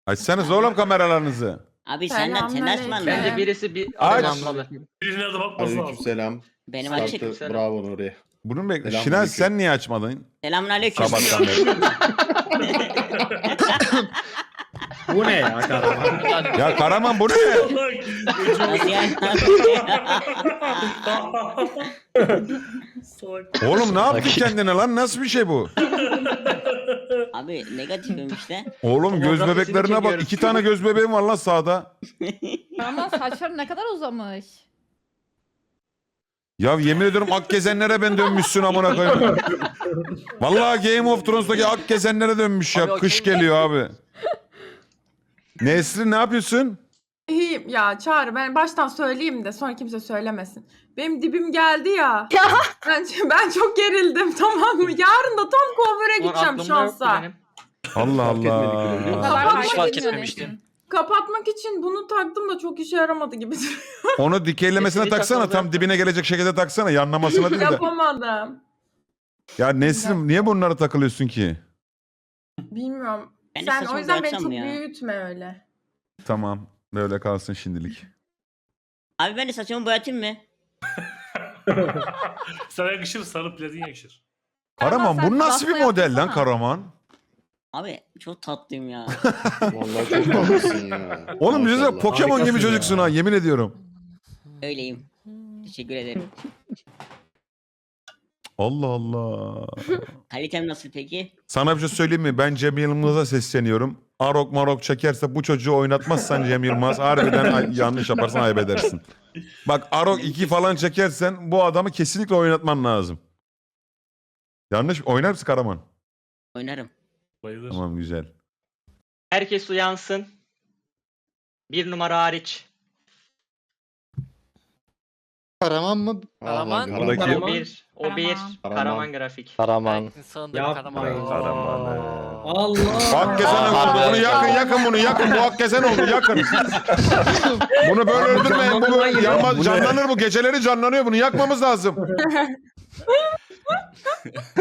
Açsanız oğlum kameralarınızı. Abi sen açman Selamünaleyküm. lazım. Bence birisi bir Aç. adamlalı. Birine de bakması lazım. Aleykümselam. Benim açık. Aleykümselam. Bravo Nuri. Bunu bekle. Selamünaleyküm. Şinal sen niye açmadın? Selamünaleyküm. Sabahtan beri. Bu ne ya Karaman? Ya Karaman bu ne? Nasıl yani? Salak. Oğlum ne yaptın kendine lan? Nasıl bir şey bu? Abi negatifim işte. Oğlum göz Tomografisini bebeklerine bak. çekiyoruz. 2 tane göz bebeğim var lan sağda. Ama saçlarım ne kadar uzamış. Ya yemin ediyorum ak gezenlere ben dönmüşsün amına koyayım. Vallahi Game of Thrones'taki ak gezenlere dönmüş ya. Abi o Kış kim? geliyor abi. Nesrin ne yapıyorsun? İyiyim ya Çağrı, ben baştan söyleyeyim de sonra kimse söylemesin. Benim dibim geldi ya. Ben çok gerildim, tamam mı? Yarın da tam kuaföre gideceğim Aklımda yoktu şansa. benim. Allah Fark etmedik bile, biliyor musun? Kapatmak Hiç fark için- etmemiştim. Kapatmak için bunu taktım da çok işe yaramadı gibi. Onu dikeylemesine Sesini taksana. takmalı. Tam dibine gelecek şekilde taksana. Yanlamasına değil de. Yapamadım. Ya Nesrin niye bunlara takılıyorsun ki? Bilmiyorum. Ben de Sen saçımı o yüzden beni boyatsam çok mı ya? büyütme öyle. Tamam. Böyle kalsın şimdilik. Abi ben de saçımı boyatayım mı? Sana yakışır, sarı platin yakışır. Karaman sen bu nasıl bir pasta model lan yapsana. Karaman? Abi çok tatlıyım ya. Vallahi çok tatlısın ya. Oğlum bize Maşallah. Pokemon gibi Harikasın çocuksun ya. ha yemin ediyorum. Öyleyim. Teşekkür ederim. Allah Allah. Kalitem nasıl peki? Sana bir şey söyleyeyim mi? Ben Cem Yılmaz'a sesleniyorum. Arok marok çekerse bu çocuğu oynatmazsan Cem Yılmaz harbiden yanlış yaparsan ayıp edersin. Bak Arok 2 falan çekersen bu adamı kesinlikle oynatman lazım. Yanlış oynar mısın Karaman? Oynarım. Bayılır. Tamam güzel. Herkes uyansın. 1 numara hariç. Karaman mı? Karaman. Aman, Buradaki- O Karaman. bir. O bir. Karaman. Karaman grafik. Karaman. Sandım Yapmayın. Karaman. Allah. Hakkezen Aa, oldu. Bunu abi. yakın bunu yakın. Bu Hakkezen oldu yakın. Bunu böyle öldürmeyin. Bu böyle yanmaz, canlanır bu. Geceleri canlanıyor. Bunu yakmamız lazım.